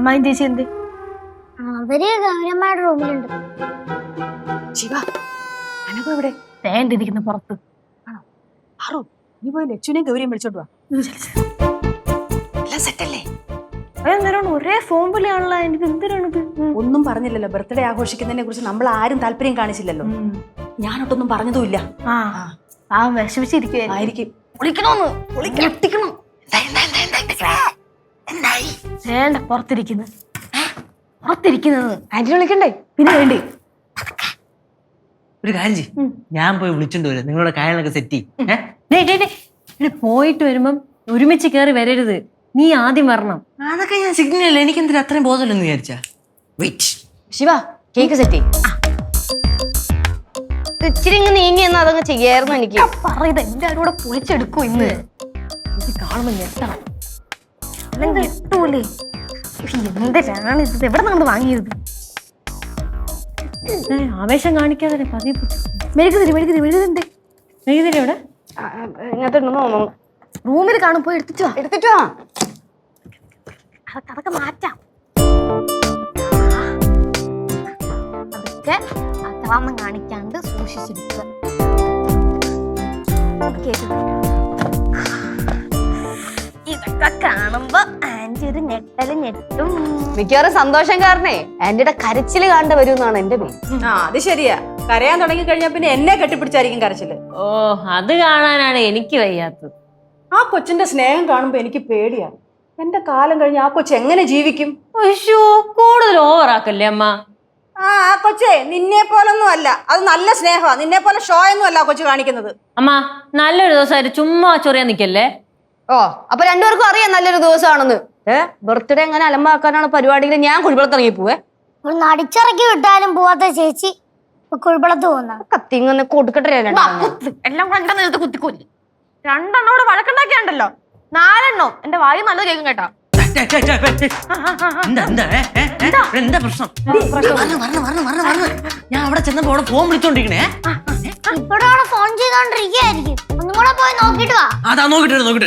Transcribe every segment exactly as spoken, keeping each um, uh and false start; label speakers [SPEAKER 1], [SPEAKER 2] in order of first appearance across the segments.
[SPEAKER 1] അമ്മായും ചേച്ചി എന്ത്?
[SPEAKER 2] അവര് ഗൗരവമായിട്ട് റൂമിലുണ്ട്.
[SPEAKER 3] ശിവ, അനഘ എവിടെ?
[SPEAKER 1] തേണ്ടിരിക്കുന്ന പുറത്ത്.
[SPEAKER 3] ആറു, നീ പോയി ലച്ചുവിനെയും ഗൗരിയും വിളിച്ചോണ്ട് വാ. എല്ലാം സെറ്റല്ലേ?
[SPEAKER 1] അതെന്തിനാണ് ഒരേ ഫോൺ വിളിയാണല്ലോ? എനിക്ക് എന്തിനാണിത്?
[SPEAKER 3] ഒന്നും പറഞ്ഞില്ലല്ലോ. ബർത്ത്ഡേ ആഘോഷിക്കുന്നതിനെ കുറിച്ച് നമ്മൾ ആരും താല്പര്യം കാണിച്ചില്ലല്ലോ. ഞാനൊട്ടൊന്നും പറഞ്ഞതുമില്ല.
[SPEAKER 1] ആ ആ വിഷമിച്ചിരിക്കുവായിരിക്കും.
[SPEAKER 3] വിളിക്കണോന്ന് വിളിക്കണം.
[SPEAKER 1] വേണ്ട, പുറത്തിരിക്കുന്നു പുറത്തിരിക്കുന്നത്.
[SPEAKER 3] ആന്റിനെ വിളിക്കണ്ടേ?
[SPEAKER 1] പിന്നെ വേണ്ടി
[SPEAKER 4] ഒരു കാര്യം ചെയ്യ്, ഞാൻ പോയി വിളിച്ചോണ്ട് വരാം. നിങ്ങളുടെ കാര്യങ്ങളൊക്കെ സെറ്റ് ചെയ്യ്.
[SPEAKER 5] പോയിട്ട് വരുമ്പം ഒരുമിച്ച് കയറി വരരുത്, നീ ആദ്യം വരണം.
[SPEAKER 4] അതൊക്കെ ഞാൻ സിഗ്നൽ അല്ല, എനിക്ക് എന്തിനാ അത്രയും ബോധമല്ലെന്ന് വിചാരിച്ചാ. വെയിറ്റ്
[SPEAKER 3] ശിവ, കേക്ക് സെറ്റ് ചെയ്യ്. ഇച്ചിരി ഇങ്ങ് നീങ്ങി എന്നാ അതങ്ങ് ചെയ്യായിരുന്നു. എനിക്ക്
[SPEAKER 1] പറയുന്നത് എല്ലാരും കൂടെ പൊളിച്ചെടുക്കും ഇന്ന്. എനിക്ക് കാണുമ്പോ ഞെട്ടണം. ഞെട്ടൂലേ? എന്തിനാണ് ഇത്? എവിടെ നിന്നാണ് വാങ്ങിയത്?
[SPEAKER 5] ആവേശം കാണിക്കാതെ പതിവ്.
[SPEAKER 1] മെഴുകുതിരി മെഴുകുതിരി മെഴുകുതിരി
[SPEAKER 5] മെഴുകുതിരി എവിടെ?
[SPEAKER 3] ഇങ്ങനത്തെ ഉണ്ടെന്ന് തോന്നുന്നു.
[SPEAKER 1] റൂമിൽ കാണും, പോയി എടുത്തിട്ട് വാ.
[SPEAKER 3] എടുത്തിട്ട് വാ.
[SPEAKER 1] അതൊക്കെ അതൊക്കെ മാറ്റാം. അതൊക്കെ അക്രമം കാണിക്കാണ്ട് സൂക്ഷിച്ചെടുക്കുക. ഇതൊക്കെ കാണുമ്പോ ആന്റി ഒരു ഞെട്ടല് ഞെട്ടും.
[SPEAKER 3] മിക്കവാറും സന്തോഷം കാരണേ ആന്റിയുടെ കരച്ചില് കാണേണ്ടി വരും എന്നാണ് എന്റെ പേര്.
[SPEAKER 6] ആ അത് ശരിയാ. കരയാൻ തുടങ്ങി കഴിഞ്ഞാ പിന്നെ എന്നെ കെട്ടിപ്പിടിച്ചായിരിക്കും കരച്ചില്.
[SPEAKER 5] ഓ, അത് കാണാനാണ് എനിക്ക് വയ്യാത്തത്.
[SPEAKER 6] ആ കൊച്ചിന്റെ സ്നേഹം കാണുമ്പോ എനിക്ക് പേടിയാണ്. എന്റെ കാലം കഴിഞ്ഞ് ആ കൊച്ചു എങ്ങനെ ജീവിക്കും?
[SPEAKER 5] അയ്യോ, കൂടുതൽ ഓവറാക്കല്ലേ അമ്മ.
[SPEAKER 6] ആ ആ കൊച്ചേ നിന്നെ പോലൊന്നും അല്ല. അത് നല്ല സ്നേഹമാ. നിന്നെ പോലെ ഷോ ഒന്നും അല്ല ആ കൊച്ചു കാണിക്കുന്നത്.
[SPEAKER 5] അമ്മ, നല്ലൊരു ദിവസമായിട്ട് ചുമ്മാ ചൊറിയാൻ നിക്കല്ലേ.
[SPEAKER 3] ഓ, അപ്പൊ രണ്ടുപേർക്കും അറിയാം നല്ലൊരു ദിവസമാണെന്ന്. ഏ ബർത്ത്ഡേ എങ്ങനെ അലമ്പാക്കാനാണ് പരിപാടിയിൽ ഞാൻ കുഴിപ്പളത്ത് ഇറങ്ങി പോവേ.
[SPEAKER 2] നടിച്ചിറക്കി വിട്ടാലും പോവാത്ത ചേച്ചി കുഴിപ്പളത്ത് പോകുന്ന
[SPEAKER 3] കത്തിങ്ങനെ കൊടുക്കട്ടെ.
[SPEAKER 1] എല്ലാം കൂടെ എന്റെ നേരത്തെ കുത്തിക്കൊല്ലി. രണ്ടെണ്ണോട് വഴക്കുണ്ടാക്കിയാണ്ടല്ലോ, നാലെണ്ണോ എന്റെ വായു നല്ലത് കേൾക്കും കേട്ടോ.
[SPEAKER 4] എന്താ എന്താ എന്താ പ്രശ്നം? ഞാൻ അവിടെ ചെന്നപ്പോ അവിടെ ഫോൺ വിളിച്ചോണ്ടിരിക്കണേ.
[SPEAKER 2] ഇപ്പോഴും അവിടെ ഫോൺ ചെയ്തോണ്ടിരിക്കുകയായിരിക്കും. ഒന്നും കൂടെ പോയി നോക്കിട്ട് വാ.
[SPEAKER 4] അതാ നോക്കിട്ട് നോക്കിട്ട്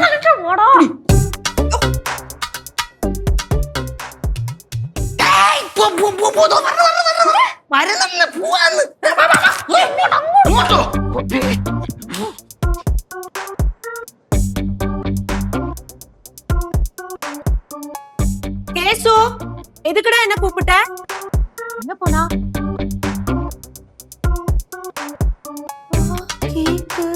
[SPEAKER 6] கேசு, எதுக்குடா என்ன கூப்பிட்ட?
[SPEAKER 1] என்ன போனா? கேக்கு